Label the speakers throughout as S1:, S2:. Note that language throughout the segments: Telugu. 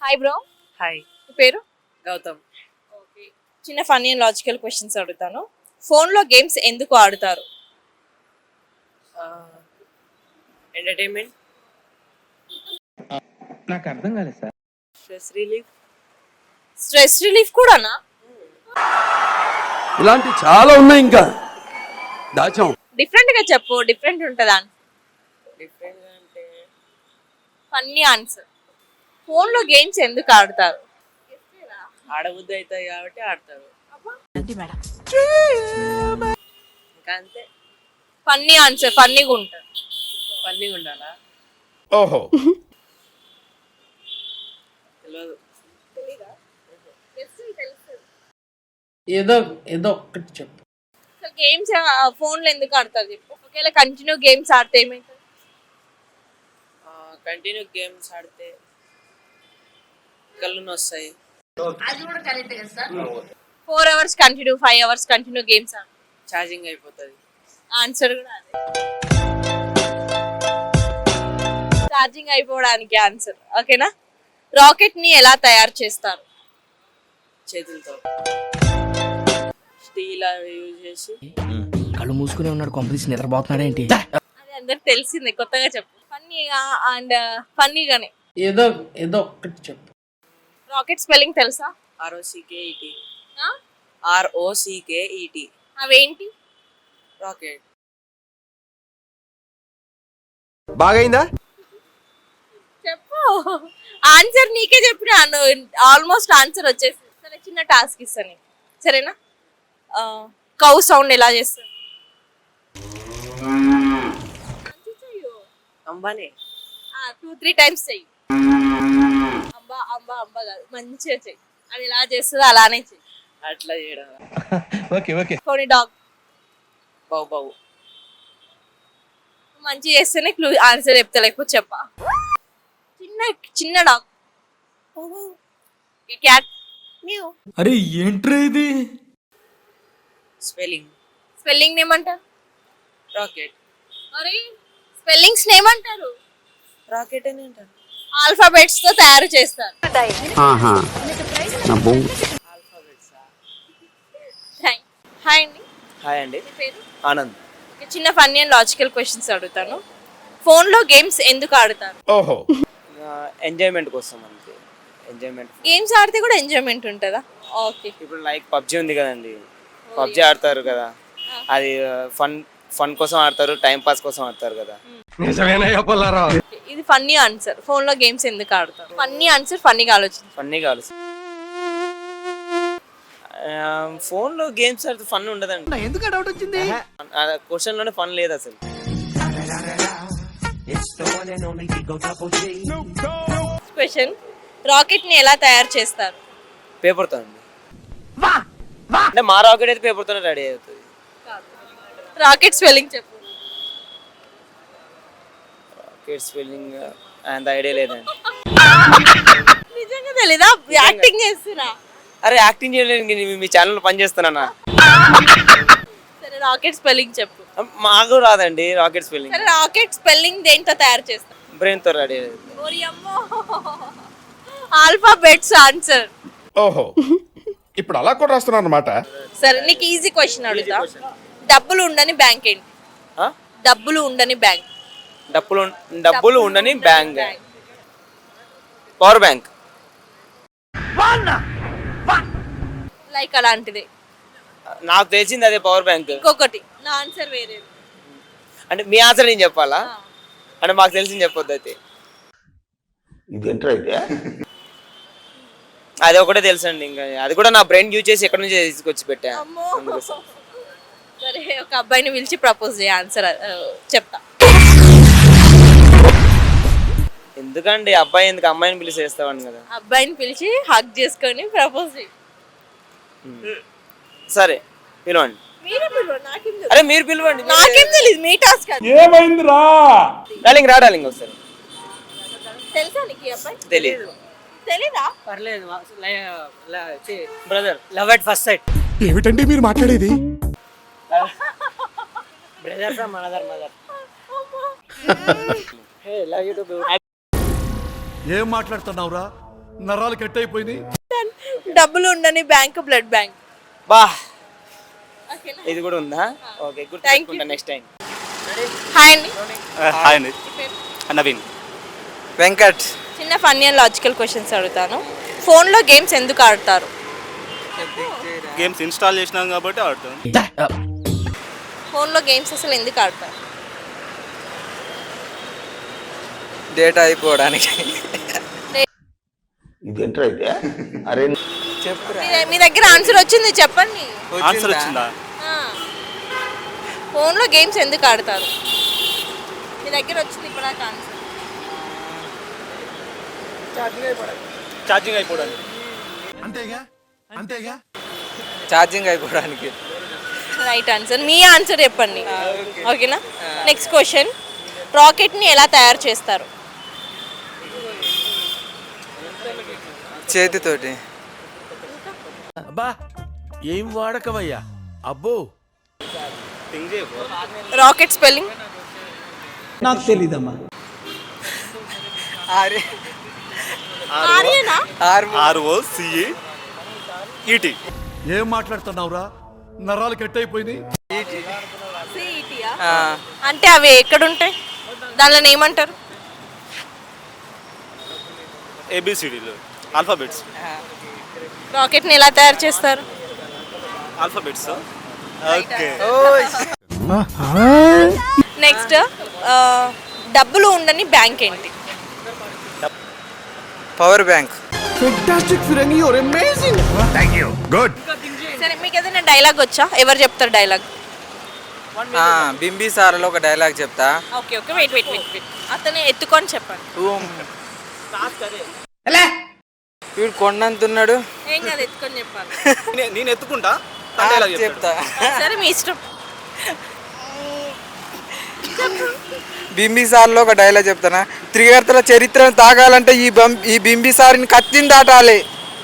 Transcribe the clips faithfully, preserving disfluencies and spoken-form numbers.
S1: Hi bro.
S2: హాయ్.
S1: మీ పేరు?
S2: గౌతమ్.
S1: ఓకే. చిన్న ఫన్నీ అండ్ లాజికల్ క్వశ్చన్స్ అడుగుతాను. ఫోన్లో గేమ్స్ ఎందుకు ఆడుతారు?
S2: ఎంటర్టైన్మెంట్.
S3: నాకు అర్థం కాలేదు sir.
S2: Stress relief.
S1: Stress relief కూడానా?
S4: ఇలాంటి చాలా ఉన్నాయి ఇంకా దాచాం.
S1: డిఫరెంట్ గా చెప్పు, డిఫరెంట్ ఉంటుందా?
S2: డిఫరెంట్ అంటే
S1: ఫన్నీ ఆన్సర్. ఫోన్లో గేమ్స్ ఎందుకు ఆడతారు?
S2: ఆడబుద్ధి అవుతాయి కాబట్టి ఆడతారు. ఇంకా అంతే.
S1: ఫన్నీ ఆన్సర్, ఫన్నీగా ఉంటుంది.
S2: ఫన్నీగా ఉండాలా?
S3: ఓహో.
S2: తెలియదు.
S5: ఏదో ఏదో ఒక్కటి చెప్పు.
S1: సో గేమ్స్ ఫోన్లో ఎందుకు ఆడతారు చెప్పు. ఒకవేళ కంటిన్యూ గేమ్స్ ఆడితే ఏమవుతుంది?
S2: కంటిన్యూ గేమ్స్ ఆడితే కళ్ళు వస్తాయి.
S1: Four hours continue, five hours continue games ఆడు.
S2: ఛార్జింగ్ అయిపోతుంది.
S1: ఆన్సర్ కూడా అదే. ఛార్జింగ్ అయిపోవడానికి ఆన్సర్. ఓకేనా? రాకెట్ ని ఎలా తయారు చేస్తారు?
S2: చేతులతో స్టీల్ అవి యూజ్ చేసి.
S6: కళ్ళు మూసుకునే ఉన్నాడు, కాంపిటీషన్ నిద్రపోతున్నాడు ఏంటి?
S1: అది అందరికి తెలిసిందే, కొత్తగా చెప్పు. ఫన్నీగా అండ్ ఫన్నీగానే.
S5: ఏదో ఏదో ఒక్కటి చెప్పు.
S1: రాకెట్ స్పెల్లింగ్ తెలుసా?
S2: ఆర్ఓసికేఈటి. ఆర్ఓసికేఈటి.
S1: అవేంటి?
S2: రాకెట్.
S4: బాగైందా?
S1: చెప్పు. ఆన్సర్ నీకే చెప్పిన, ఆల్మోస్ట్ ఆన్సర్ వచ్చేసి. సరే, చిన్న టాస్క్ ఇస్తాను నీకు, సరేనా? కౌ సౌండ్ ఎలా చేస్తారు?
S2: అంబానే.
S1: టూ త్రీ టైమ్స్ చెయ్యి. అంబా అంబా అంబా కాదు, మంచిగా చెయ్యి. అది ఎలా చేస్తుందో అలానే చెయ్యి.
S2: అట్లా చేయడం.
S3: Okay okay.
S1: కొన్ని డాగ్
S2: బౌ బౌ.
S1: మంచిగా చేస్తేనే క్లూ ఆన్సర్ చెప్తా, లేకపోతే చెప్పా. చిన్న చిన్న డాగ్. క్యాట్.
S6: అరే ఏంట్రా ఇది?
S2: స్పెల్లింగ్.
S1: స్పెల్లింగ్ ఏమంటారు?
S2: రాకెట్.
S1: మరి స్పెల్లింగ్స్ ఏమంటారు?
S2: రాకెట్ అని అంటారు.
S1: ఆల్ఫాబెట్స్ తో తయారు చేస్తారు.
S2: ఆల్ఫాబెట్స్.
S1: హాయ్ అండి.
S2: హాయ్ అండి.
S1: మీ పేరు?
S2: ఆనంద్.
S1: ఒక చిన్న ఫన్నీ అండ్ లాజికల్ క్వశ్చన్స్ అడుగుతాను. ఫోన్లో గేమ్స్ ఎందుకు ఆడతారు?
S3: ఓహో.
S2: ఎంజాయ్మెంట్ కోసం అంతే. ఎంజాయ్మెంట్.
S1: గేమ్స్ ఆడితే కూడా ఎంజాయ్మెంట్ ఉంటుందా? ఓకే.
S2: ఇప్పుడు లైక్ పబ్జి ఉంది కదండి, పబ్జి ఆడతారు కదా, అది ఫన్ ఫన్ కోసం ఆడతారు, టైం పాస్ కోసం ఆడతారు కదా.
S3: నిజమేనయ్యా పుల్లారావు.
S1: ఇది ఫన్నీ ఆన్సర్. ఫోన్లో గేమ్స్ ఎందుకు ఆడతారు? ఫన్నీ ఆన్సర్, ఫన్నీగా ఆలోచించు.
S2: ఫన్నీ కావాలి. ఫోన్లో గేమ్స్ ఆడితే ఫన్ ఉండదండి.
S6: ఎందుకు డౌట్ వచ్చింది?
S2: క్వశ్చన్ లోనే ఫన్ లేదు అసలు.
S1: క్వశ్చన్. రాకెట్ ని ఎలా తయారు చేస్తారు?
S2: పేపర్ తో అండి. అంటే మా రాకెట్ అయితే పేపర్ తోనే రెడీ అవుతుంది.
S1: రాకెట్ స్పెల్లింగ్ చెప్పు.
S2: రాకెట్ స్పెల్లింగ్ అంత ఐడియా లేదండి.
S1: నిజంగా తెలీదా? యాక్టింగ్ చేస్తున్నా.
S2: అరే యాక్టింగ్ చేయలేదు, మీ ఛానల్ పని చేస్తానన్నా.
S1: సరే, రాకెట్ స్పెల్లింగ్ చెప్పు.
S2: మాకు రాదండి రాకెట్ స్పెల్లింగ్.
S1: సరే, రాకెట్ స్పెల్లింగ్ దేంతో తయారు చేస్తారు?
S2: బ్రెయిన్ తో రెడీ.
S1: Alphabets answer.
S3: ఓహో. ఇప్పుడు అలా కూడా రాస్తున్నారు అన్నమాట.
S1: సరే, నీకు ఈజీ క్వశ్చన్ అడుగుతా. డబ్బులు ఉండని బ్యాంక్ ఏంటి? డబ్బులు ఉండని బ్యాంక్.
S2: డబ్బులు డబ్బులు ఉండని బ్యాంక్. Power bank.
S1: లైక్ అలాంటిది.
S2: నాకు తెలిసింది అదే పవర్ బ్యాంక్.
S1: ఇంకొకటి నా ఆన్సర్ వేరే.
S2: అంటే మీ ఆన్సర్ నేను చెప్పాలా? అంటే మాకు తెలిసింది చెప్పొద్దు అయితే. అది ఒకటే తెలుసండి, ఇంకా అది కూడా నా బ్రెయిన్ యూజ్ చేసి ఎక్కడి నుంచి తీసుకొచ్చి పెట్టా.
S1: సరే, ఒక అబ్బాయిని పిలిచి ప్రపోజ్ చేయ, ఆన్సర్ చెప్తా.
S2: ఎందుకండి అబ్బాయి ఎందుకు, అమ్మాయిని పిలిచి చేస్తామని కదా.
S1: అబ్బాయిని పిలిచి హగ్ చేసుకొని ప్రపోజ్ చేయి.
S2: సరే పిలవండి.
S1: మీరే పిలవండి, నాకేం తెలుసు.
S2: అరే మీరు పిలవండి.
S1: నాకేం తెలియదు, మీ టాస్క్.
S3: ఏమైందిరా?
S2: డార్లింగ్ రా డార్లింగ్ ఒకసారి.
S1: తెలుసా నీకు ఈ అబ్బాయి?
S2: తెలీదు.
S1: తెలీదా?
S7: పర్లేదు brother, love at first sight.
S3: ఏమిటండి మీరు మాట్లాడేది?
S7: Brother from another mother. Hey love you too.
S8: ఏం మాట్లాడుతున్నావురా?
S4: నరాలు కట్ అయిపోయినాయి.
S1: డబ్బులు ఉండని బ్యాంక్ బ్లడ్ బ్యాంక్.
S2: బా
S1: ఓకేనా?
S2: ఇది కూడా ఉందా? Okay,
S1: Thank you.
S2: గుర్తుపెట్టుకుంటా నెక్స్ట్ టైం.
S1: హాయ్ అండి.
S8: హాయ్ అండి,
S1: మీ పేరు?
S8: నవీన్.
S2: వెంకట్.
S1: చిన్న ఫన్నీ అండ్ లాజికల్ క్వశ్చన్స్ అడుగుతాను. ఫోన్లో గేమ్స్ ఎందుకు ఆడతారు?
S8: గేమ్స్ ఇన్స్టాల్ చేసినాం కాబట్టి ఆడుతాం.
S1: ఫోన్లో గేమ్స్ అసలు ఎందుకు ఆడతారు?
S2: డేటా అయిపోవడానికి.
S1: మీ- మీ దగ్గర ఆన్సర్ వచ్చింది, చెప్పండి.
S8: ఆన్సర్ వచ్చిందా?
S1: ఆ. ఫోన్లో గేమ్స్ ఎందుకు ఆడతారు? మీ దగ్గర వచ్చింది ఇప్పుడు ఆన్సర్.
S8: ఛార్జింగ్ అయిపోవడానికి.
S4: అంతేగా అంతేగా
S2: ఛార్జింగ్ అయిపోవడానికి.
S1: Right answer. మీ ఆన్సర్ చెప్పండి, ఓకేనా? నెక్స్ట్ క్వశ్చన్, రాకెట్ని ఎలా తయారు చేస్తారు?
S2: చేతితోటి.
S4: అబ్బా ఏం వాడకవయ్యా అబ్బో.
S8: థింక్ చేయకు.
S1: Rocket spelling?
S5: నాకు తెలీదమ్మా.
S2: ఆర్
S1: ఆర్యనా?
S2: R
S8: R O C E E T.
S4: ఏం మాట్లాడుతున్నావురా, నరాలు కట్ అయిపోయినాయి.
S1: సిఈటీయా? అంటే అవి ఎక్కడ ఉంటాయి? దానిలో ఏమంటారు?
S8: ఏబిసిడీలు, ఆల్ఫాబెట్స్.
S1: రాకెట్ని ఎలా తయారు చేస్తారు?
S8: ఆల్ఫాబెట్స్. ఓకే.
S1: నెక్స్ట్, డబ్బులు ఉండని బ్యాంక్ ఏంటి?
S2: Power bank.
S1: సరే, మీకు ఏదైనా డైలాగ్ వచ్చా? ఎవరు చెప్తారు డైలాగ్?
S2: బింబి సార్లో ఒక డైలాగ్ చెప్తా.
S1: Okay okay wait wait wait wait అతను ఎత్తుకొని చెప్పండి.
S2: వీడు కొండంతున్నాడు.
S1: ఏం కాదు, ఎత్తుకొని చెప్పాలి.
S8: నే- నేను ఎత్తుకుంటా, తను dialogue చెప్తాడు.
S2: చెప్తా.
S1: సరే, మీ ఇష్టం.
S2: బింబిసార్లో ఒక డైలాగ్ చెప్తానా. త్రిగర్తల చరిత్రను తాగాలంటే ఈ బం- ఈ బింబిసారిని కత్తిని దాటాలి.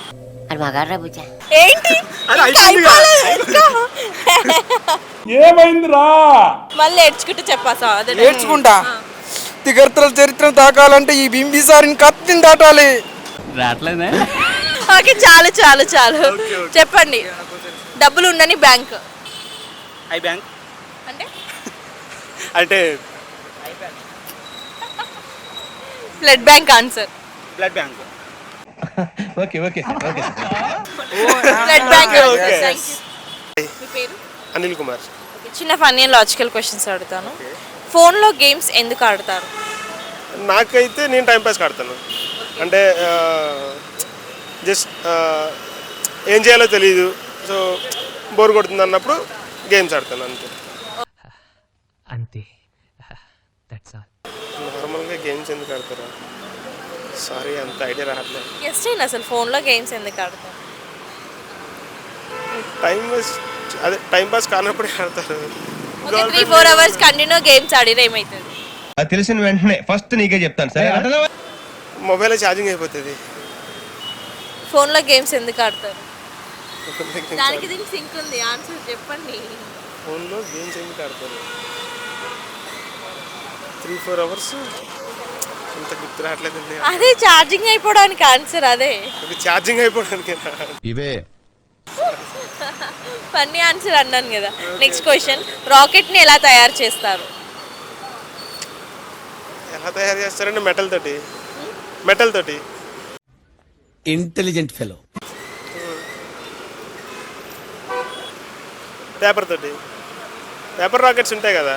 S1: ఏంటి?
S8: అరే,
S1: ఇంకా
S8: అయిపోయింది కదా.
S1: అయిపోలేదు, ఇంకా.
S3: ఏమైందిరా?
S1: మళ్ళీ ఏడ్చుకుంటూ చెప్పాసా? అదే
S2: నేర్చుకుంటా. త్రిగర్తల చరిత్రను తాకాలంటే ఈ బింబిసారిని కత్తిని దాటాలి.
S1: ఓకే, చాలు చాలు చాలు చెప్పండి. డబ్బులు ఉండని బ్యాంక్
S8: ఐ బ్యాంక్
S1: అంటే?
S8: అంటే
S1: blood bank answer.
S8: Blood bank.
S1: Blood bank.
S8: okay.
S1: Thank you. మీ పేరు?
S9: అనిల్ కుమార్.
S1: Okay, చిన్న ఫన్నీ అండ్ లాజికల్ క్వశ్చన్స్ అడుగుతాను. ఫోన్లో గేమ్స్ ఎందుకు ఆడతారు?
S9: నాకైతే నేను టైంపాస్ ఆడతాను. అంటే జస్ట్ ఏం చేయాలో తెలియదు, సో బోర్ కొడుతుంది అన్నప్పుడు గేమ్స్ ఆడతాను అంతే.
S6: అంతే, దట్స్ ఆల్.
S9: నార్మల్గా గేమ్స్ ఎందుకు ఆడతారా? సారీ, అంత ఐడియా రావట్లేదు.
S1: గెస్ట్ అయిన అసలు ఫోన్లో గేమ్స్ ఎందుకు ఆడతారు?
S9: టైం వేస్ట్, అదే టైంపాస్ కానప్పుడే ఆడతారు.
S1: Okay, three four hours continue games ఆడిన ఏమవుతుంది?
S10: అది తెలిసిన వెంటనే ఫస్ట్ నీకే చెప్తాను సరే.
S9: మొబైల్లో ఛార్జింగ్ అయిపోతుంది.
S1: ఫోన్లో గేమ్స్ ఎందుకు ఆడతారు? దానికి దీనికి సింక్ ఉంది, ఆన్సర్ చెప్పండి.
S9: ఫోన్లో గేమ్స్ ఎందుకు ఆడతారు? త్రీ ఫోర్ అవర్స్ అంత గుర్తు రావట్లేదండి.
S1: అదే ఛార్జింగ్ అయిపోవడానికి ఆన్సర్, అదే
S9: ఛార్జింగ్ అయిపోవడానికి.
S4: ఇవే
S1: ఫన్నీ ఆన్సర్ అన్నాను కదా. నెక్స్ట్ క్వశ్చన్, రాకెట్ని ఎలా తయారు చేస్తారు?
S9: ఎలా తయారు చేస్తారంటే మెటల్ తోటి. మెటల్ తోటి.
S4: Intelligent fellow.
S9: పేపర్ తోటి. పేపర్ రాకెట్స్ ఉంటాయి కదా.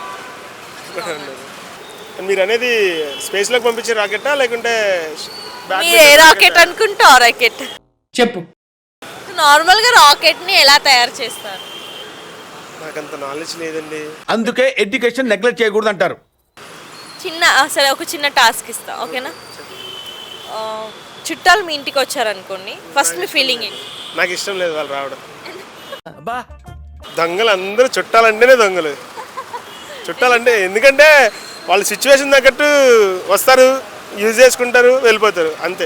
S9: మీరు అనేది స్పేస్లోకి పంపించే రాకెట్టా లేకుంటే
S1: మీరు ఏ రాకెట్ అనుకుంటే ఆ రాకెట్
S5: చెప్పు.
S1: నార్మల్గా రాకెట్ని ఎలా తయారు చేస్తారు?
S9: నాకంత నాలెడ్జ్ లేదండి.
S4: అందుకే ఎడ్యుకేషన్ నెగ్లెక్ట్ చేయకూడదు అంటారు.
S1: చిన్న సరే, ఒక చిన్న టాస్క్ ఇస్తా, ఓకేనా? ఆ, చుట్టాలు మీ ఇంటికి వచ్చారనుకోండి, ఫస్ట్ మీ ఫీలింగ్ ఏంటి?
S9: నాకు ఇష్టం లేదు వాళ్ళు రావడం.
S4: అబ్బా
S9: దొంగలు అందరూ చుట్టాలంటేనే దొంగలు. చుట్టాలంటే ఎందుకంటే వాళ్ళ సిచ్యువేషన్ తగ్గట్టు వస్తారు, యూజ్ చేసుకుంటారు, వెళ్ళిపోతారు, అంతే.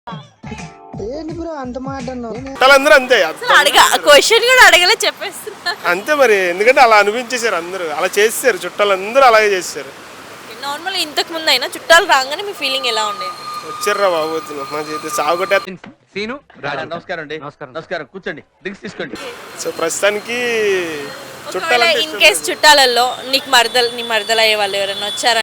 S9: చుట్టాలందరూ అంతే.
S1: అసలు అడగ క్వశ్చన్ కూడా అడగలే, చెప్పేస్తున్నా.
S9: అంతే మరి, ఎందుకంటే అలా అనిపించేశారు అందరూ, అలా చేసేసారు, చుట్టాలందరూ అలాగే చేసేసారు.
S1: నార్మల్ ఇంతకు ముందు అయినా చుట్టాలు రాగానే మీ ఫీలింగ్ ఎలా ఉండేది?
S9: వచ్చారా బాబు మా చేతి సాగుకొట్టే.
S6: సీను
S10: నమస్కారం అండి నమస్కారం నమస్కారం కూర్చోండి డ్రింక్స్ తీసుకోండి.
S9: సో ప్రస్తుతానికి
S1: ఒకవేళ
S9: చుట్టాలంటే
S1: ఇన్ కేస్ చుట్టాలలో నీకు మరదలు నీ మరదలు అయ్యే వాళ్ళు ఎవరైనా వచ్చారా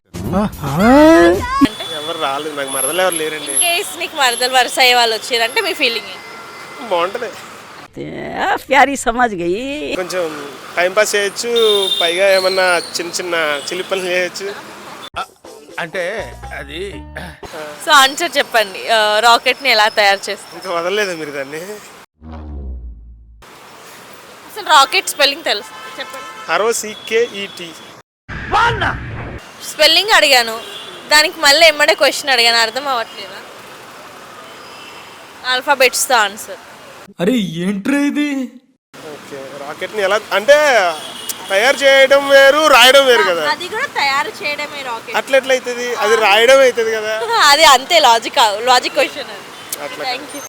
S9: ఎవరు రాలేదు, నాకు మరదలు ఎవరు లేరండి.
S1: ఇన్ కేస్ నీకు మరదలు వరుస అయ్యే వాళ్ళు వచ్చారంటే మీ ఫీలింగ్
S9: బాగుంటది,
S7: ప్యారీ సమాజ్ గయి
S9: కొంచెం టైం పాస్ చేయొచ్చు, పైగా ఏమన్నా చిన్న చిన్న చిలి పనులు చేయొచ్చు.
S3: అంటే అది
S1: సో ఆన్సర్ చెప్పండి, రాకెట్ ని ఎలా తయారు చేస్తారు?
S9: ఇంకా వదలలేదు మీరు దాన్ని.
S1: అసలు రాకెట్ స్పెల్లింగ్ తెలుసు చెప్పండి.
S9: ఆర్ఓ సికేఈటి.
S1: స్పెల్లింగ్ అడిగాను, దానికి మళ్ళీ ఎమ్మడే క్వశ్చన్ అడిగాను, అర్థం అవ్వట్లేదా? ఆల్ఫాబెట్స్తో ఆన్సర్.
S5: అరే ఏంట్రా ఇది?
S9: ఓకే, రాకెట్ని ఎలా అంటే తయారు చేయడం వేరు, రాయడం వేరు కదా.
S1: అది కూడా తయారు చేయడమే రాకెట్.
S9: అట్లా ఎట్లా అవుతుంది, అది రాయడం అవుతుంది కదా.
S1: అది అంతే లాజిక్ లాజిక్ క్వశ్చన్ అది.
S9: అట్లా
S1: థ్యాంక్ యూ.